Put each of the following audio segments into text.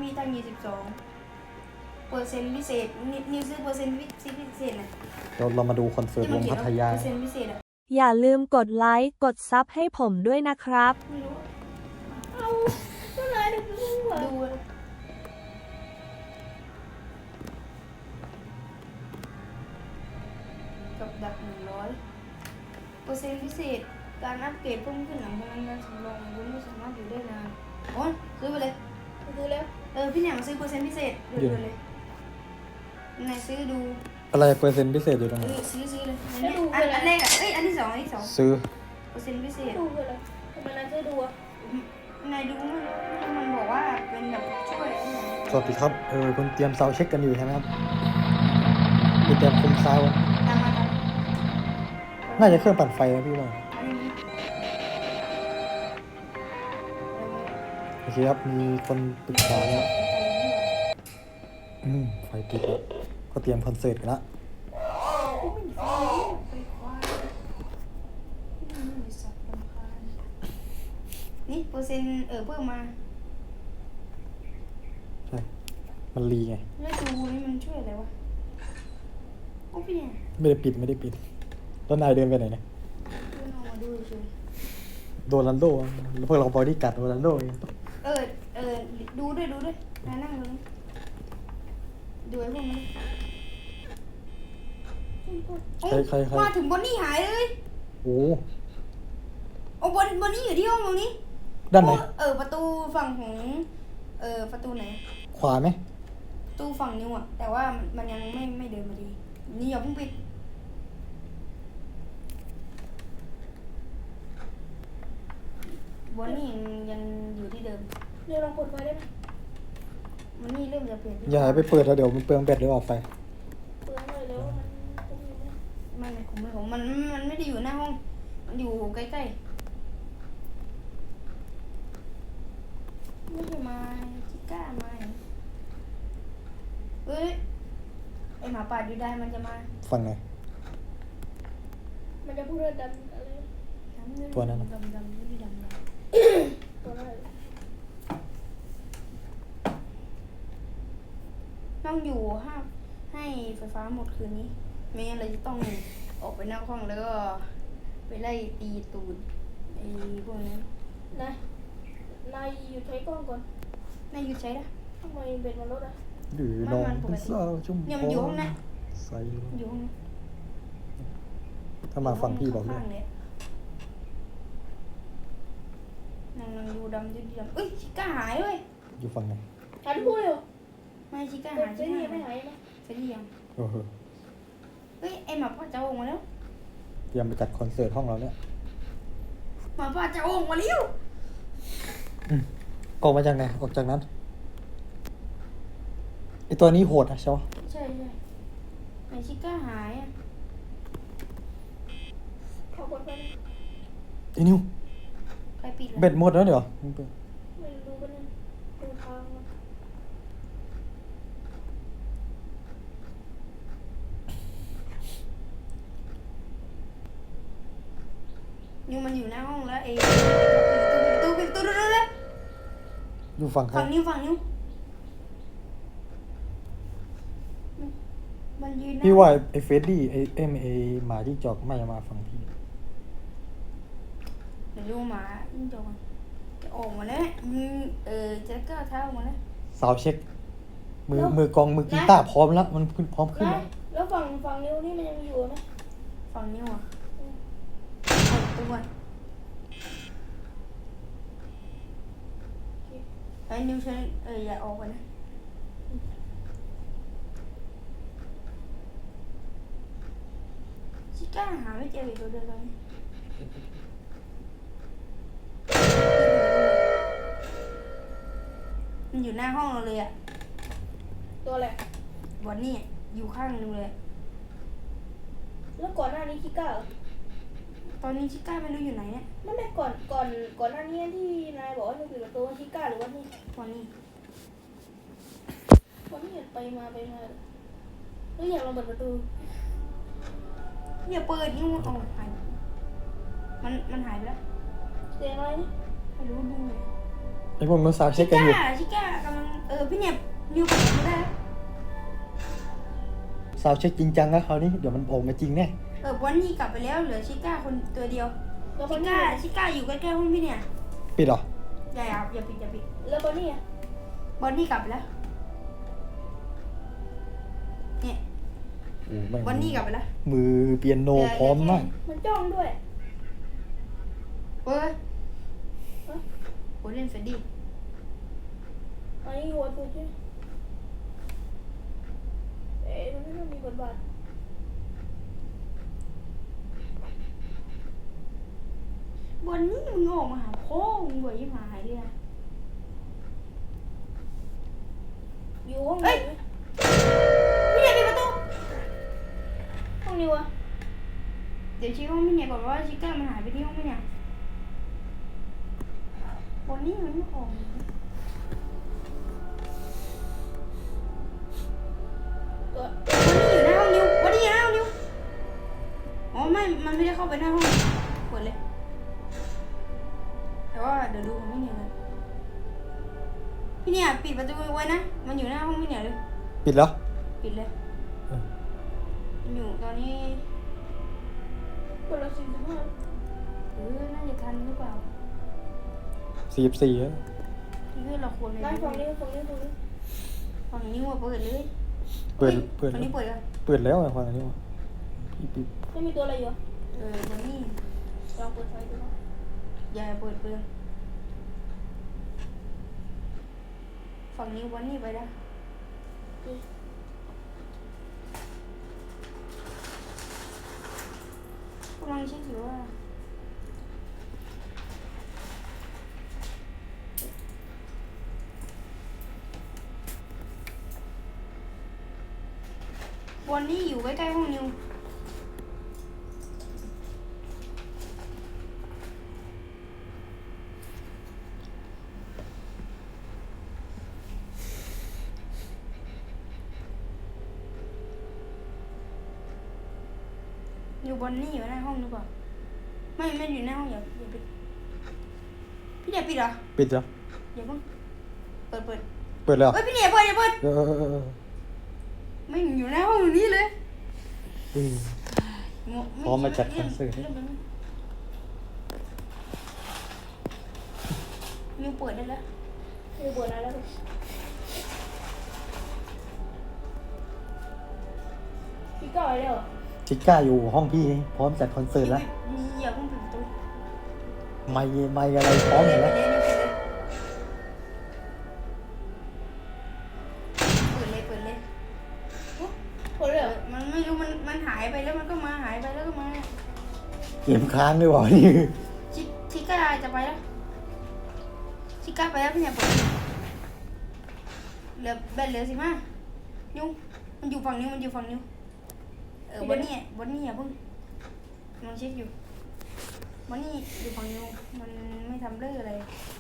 มีตังค์22เปอร์เซ็นต์พิเศษนิวซื้อเปอร์เซ็นต์พิเศษนะเรามาดูคอนเสิร์ตวงพัทยาเปอร์เซ็นต์พิเศษอะอย่าลืมกดไลค์กดซับให้ผมด้วยนะครับไม่รู้เอาก็เลยดูกับดัก100เปอร์เซ็นต์พิเศษการอัปเกรดเพิ่มขึ้นหลังจากนั้นการสำรองคุณไม่สามารถอยู่ได้นานโอ้ยซื้อไปเลยดูแล้วพี่เนี่ยมาซื้อเปอร์เซ็นต์พิเศษดูเลยนายซื้อดูอะไรเปอร์เซ็นต์พิเศษอยู่ตรงไหนซื้อเลยอันแรกอ่ะอันที่สองซื้อเปอร์เซ็นต์พิเศษดูเลยทำไมนายจะดูอ่ะนายดูมันบอกว่าเป็นแบบช่วยสวัสดีครับคุณเตรียมเซาเช็คกันอยู่ใช่ไหมครับคุณเตรียมคุมซาวน่าจะเครื่องปั่นไฟนะพี่ว่าโอเคครับมีคนปรึกษาแล้วไฟติดแล้วก็เตรียมคอนเสิร์ตกันละนี่เปอร์เซ็นต์เพิ่มมาใช่มันรีไงแล้วดูนี่มันช่วยอะไรวะโอ้พี่เนี่ยไม่ได้ปิดแล้วนายเดินไปไหนเนี่ยดูเฉยโดนัลโดแล้วพวกเราบอดี้การ์ดโดนัลโดดูด้วยนายนั่งดูไอ้พวกนี้ใครมาถึงบอนนี่หายเลยโอ้บอนนี่อยู่ที่ห้องตรงนี้ด้านไหนประตูฝั่งของประตูไหนขวาไหมประตูฝั่งนิ้วอ่ะแต่ว่ามันยังไม่เดินมาดีนี่อย่าเพิ่งปิดบอนนี่ยังอยู่ที่เดิมเดี๋ยวลองกดไฟได้ไหมมันนี่เริ่มจะเปลี่ยนอย่าไปเปิดแล้วเดี๋ยวมันเปลืองแบตเดี๋ยวออกไปเปลืองเลยแล้วไม่ของมันไม่ได้อยู่หน้าห้องมันอยู่ใกล้ๆไม่ใช่มาชิก้ามาไอหมาป่าดูได้มันจะมาฟังไงมันจะพูดเรื่องดำอะไรตัวนั้นดำตัวนั้นต้องอยู่ห้ามให้ไฟฟ้าหมดคืนนี้ไม่งั้นเราจะต้องออกไปนอกห้องแล้วก็ไปไล่ตีตูดไอ้พวกนั้นนายหยุดใช้กล้องก่อนนายหยุดใช้นะทำไมเบ็ดมันลดอ่ะหรือน้องเป็นสาวชุ่มเนี่ยมันอยู่ห้องนะใส่อยู่ห้องถ้ามาฟังพี่บอกด้วยนั่งดูดำชิก้าหายเลยอยู่ฟังไงหายทุกคนเลยไม่ชิก้าหายเฟรดี้ไม่หายไหมเฟรดี้ยังไอหมาป่าจะออกมาแล้วเตรียมไปจัดคอนเสิร์ตห้องเราเนี่ยหมาป่าจะออกมาแล้วออกมาจากไหนออกจากนั้นไอตัวนี้โหดนะใช่ไหมใช่ไอชิก้าหายอ่ะขอบคุณไอนิวใครปิดเบ็ดหมดแล้วเดี๋ยวไม่รู้กันเลยดูทางนิวมันอยู่หน้าห้องแล้วปิดตู้เลยอยู่ฝั่งใครฝั่งนิ้วมันยืนพี่ว่าไอเฟดดี้ไอหมาที่จอกไม่มาฝั่งพี่เดี๋ยวดูหมายิ่งจอกจะออกมาแล้วจะก้าวเท้าออกมาแล้วสาวเช็คมือกองมือกีตาร์พร้อมแล้วมันพร้อมขึ้นแล้วฝั่งนิ้วนี่มันยังอยู่ไหมฝั่งนิ้วอ่ะตัวไอ้นิ้วฉันอย่าออกไปนะชิก้าหาไม่เจออีกตัวเดียวเลยมันอยู่หน้าห้องเราเลยอ่ะตัวอะไรวันนี้อยู่ข้างนึงเลยแล้วก่อนหน้านี้ชิก้าตอนนี้ชิก้าไม่รู้อยู่ไหนเนี่ยไม่ก่อนหน้านี้ที่นายบอกว่าจะปิดประตูชิก้าหรือว่านี่วันนี้ไปมาแล้วอยากลองเปิดประตูอย่าเปิดนี่มันหายมันหายไปแล้วเสียงอะไรนี่ไม่รู้ดูเลยไอพวกนู้นสาวเช็คกันอยู่ชิก้ากำลังพี่เนี่ยนิวเปิดไม่ได้ซาวเช็คจริงจังแล้วคราวนี้เดี๋ยวมันออกมาจริงแน่วันนี้กลับไปแล้วเหลือชิก้าคนตัวเดียวแล้วบชิอนนี่ก้าชิก้าอยู่ใกล้ๆห้องพี่เนี่ยปิดเหรออย่าปิดอย่าปิดแล้วบอนนี่อะบอนนี่กลับไปแล้วเนี่ยโอ้แม่งบอนนี่กลับไปแล้วมือเปียโนพร้อมมากมันจ้องด้วยเฮ้ยโหเล่นเฟดดี้อันนี้หัวสุดใช่ไหมมันไม่ต้องมีบทบาทบอนนี่มึงออกมาหาพ่อมึงบ่อยยิ่งหายเลยนะอยู่ห้องเฮ้ไหนย พี่เนี่ยปิดประตูห้องนี้วะเดี๋ยวชี้ห้องพี่เนี่ยก่อนว่าชิก้ามันหายไปที่ห้องพี่เนี่ยบอนนี่มันไม่ออกมาตัววันนี้อยู่หน้าห้องนิววันนี้อยู่หน้าห้องนิวอ๋อไม่ มันไม่ได้เข้าไปหน้าห้องเปิดเลย แต่ว่าเดี๋ยวดูของพี่เนี่ยเลยพี่เนี่ยปิดประตูไว้นะ มันอยู่หน้าห้องพี่เนี่ยเลยปิดแล้วปิดเลยเออมันอยู่ตอนนี้คนละ45 น่าจะทันหรือเปล่า 44แล้วพี่เพื่อนเราควรเลยนั่นฝั่งนี้ฝั่งนี้ฝั่งนี้ฝั่งนี้ว่าเปิดเลยเปิดฝั่งนี้เปิดกันเปิดแล้วอะฟังอันนี้วะปิดไม่มีตัวอะไรอยู่อะวันนี้ลองเปิดไฟดูนะอย่าเปิดเปลืองฝั่งนี้วันนี้ไปนะกำลังเช็คอยู่ว่าวันนี้อยู่ใกล้ๆห้องนิวอยู่บนนี่อยู่หน้าห้องหรือเปล่าไม่อยู่หน้าห้องอย่าปิดพี่เดี๋ยวปิดเหรอปิดแล้วอย่าเพิ่งเปิดเปิดแล้วเฮ้ยพี่เดี๋ยวเปิดอย่าเปิดเออไม่อยู่หน้าห้องอยู่นี่เลยเออ พร้อมมาจัดคอนเสิร์ตมิวเปิดได้แล้วมีบทอะไรแล้วพี่ก้อยแล้วเหรอชิก้าอยู่ห้องพี่พร้อมจัดคอนเสิร์ตแล้วมีอย่าเพิ่งปิดประตูไม่อะไรพร้อมหมดแล้วเปิดเลยคนเลยเหรอมันไม่รู้มันหายไปแล้วมันก็มาหายไปแล้วก็มาเกมค้างด้วยวะนี่ชิก้าจะไปแล้วชิก้าไปแล้วพี่เนี่ยเปิดเหลือแบตเหลือ15ยุ่งมันอยู่ฝั่งนิ้วบนนี่อย่าเพิ่งมันเช็คอยู่บนนี่อยู่ฝั่งนิ้วมันไม่ทำเรื่องอะไร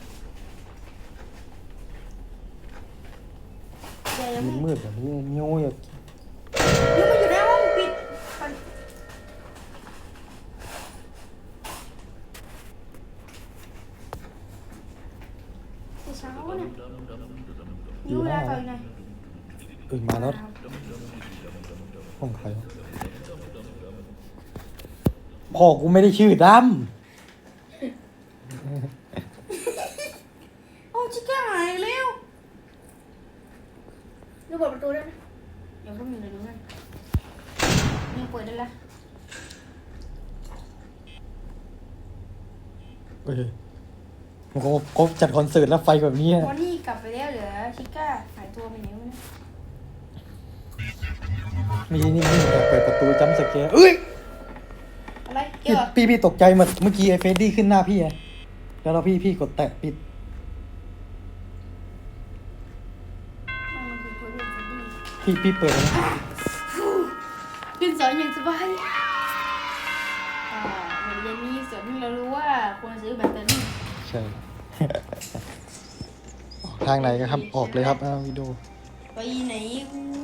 อย่าเพิ่งมืดแบบนี้นิ้วอย่านิ้วมันอยู่หน้าห้องปิดก่อนเช้าเนี่ยนิ้วเวลาต่อยหน่อยมาแล้วห้องใครวะพ่อกูไม่ได้ชื่อดโอ้ชิก้าหายเร็วดูเปิดประตูได้ไหมเดี๋ยวพวกมึงเดี๋ยวดูกันนิ้วเปิดได้แล้วำเอ้ยผมก็จัดคอนเสิร์ตแล้วไฟแบบนี้อะวันนี้กลับไปแล้วเหลือชิก้าหายตัวไปไหนวะเนี่ยมีนี่เปิดประตูจัมป์สแกร์เอ้ยอะไรเกี่ยวพี่ตกใจเมื่อกี้ไอ้เฟรดดี้ขึ้นหน้าพี่ไงแล้วเราพี่กดแตะปิดมันคือตัวเล่นซีดีพี่เปิดนะขึ้นสอนอย่างสบายเหมือนเย็นนี้สอนที่เรารู้ว่าควรซื้อแบตเตอรี่ใช่ ทางไหนกันครับออกเลยครับวิดีโอไปไหนกู